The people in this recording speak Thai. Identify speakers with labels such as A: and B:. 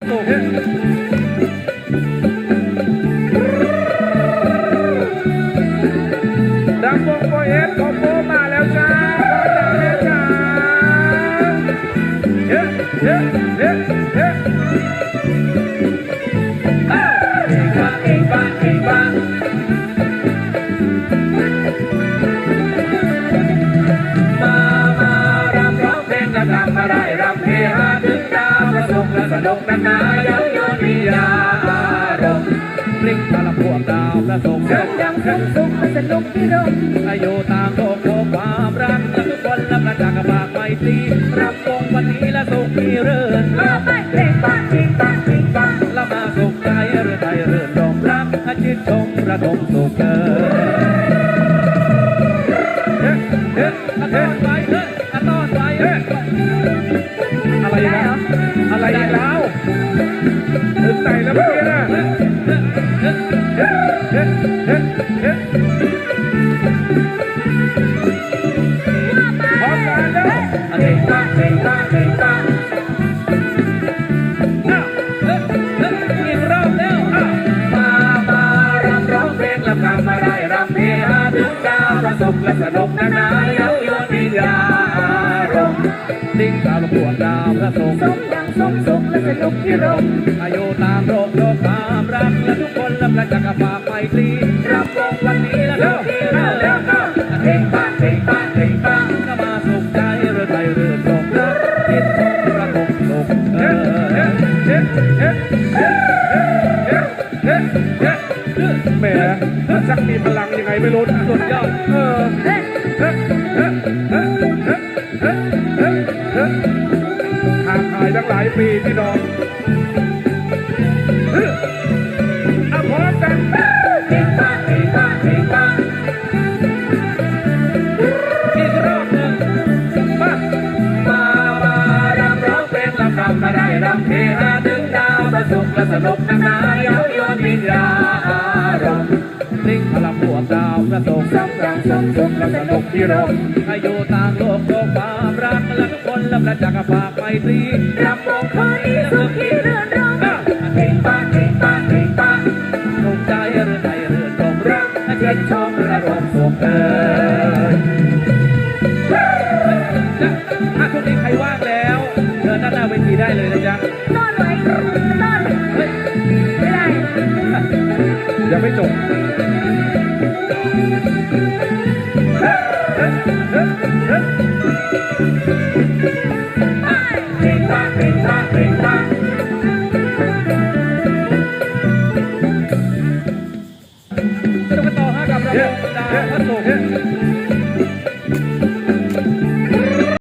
A: สุขดังวงโปเอสของโบมาแล้วจ้าพ่อจ๋าแม่จ๋าเฮ้เฮ้เฮ้เฮ้สนุกนานายังโยนวิยารมพลิกตาลพวกดาวประสงค์ยังสุขสนุกที่ร่มอายุตามโลกโลกความรักและทุกคนและประจักษ์บากไม่ตีรับวงวันนี้และสุขมีเรื่นละไม่เพลงบ้านทิ้งบ้านทิ้งบ้านละมาสุขใจเรื่อใจเรื่นรมรักชื่นชมระดมสุขเฮ้เฮ้เฮ้ต้อนไปเฮ้ต้อนไปเฮ้อะไรนะอะไรแล้วถึงไหนแล้วเมื่อกี้นะพร้อมกันแล้วเด็กตาเด็กตาเด็กตาอีกรอบแล้วมารำร้องเพลงลำนำมาได้รำเพลงถึงดาวประสบและสนุกนานาเย้ายวนวิญญาณดิ้งตาลพวกดาวพระสงฆ์สมสุขและสนุกที่ร่มอายุตามโลกโลกความรักและทุกคนและประจักษ์ฝากไมตรีรับวงวันนี้และสุขที่เรื่อเพ่งปังเพ่งปังเพ่งปังก็มาสุขใจเรื่อใจเรื่อตรงรักคิดทงประทงสุขแหมมันชักมีพลังยังไงไม่รู้สุดยอดห่างหายตั้งหลายปีพี่น้องพร้อมกันอีกรอบหนึ่งรำร้องเพลงลำนำมาได้รำเพลงถึงดาวประสุขและสนุกนานาเย้ายวนวิญญาณลิงพลังบวกดาวประสงค์สมสุขและสนุกที่ร่มอายุต่างโลกโลกความรักและทุกคนและประจักษ์ฝากไมตรีรับวงคืนนี้สุขที่เรื่อนรมเพ่งปังเพ่งปังเพ่งปังสุขใจเรื่อใจเรื่อตรงรักชื่นชมระดมสุขถ้าช่วงนี้ใครว่างแล้วเชิญด้านหน้าเวทีได้เลยนะจ๊ะต้อนไว้ต้อนไม่ได้ยังไม่จบเพลงตาเพลงตาเพลงตาสนุกกันต่อฮะกับระบบดาวพระศุกร์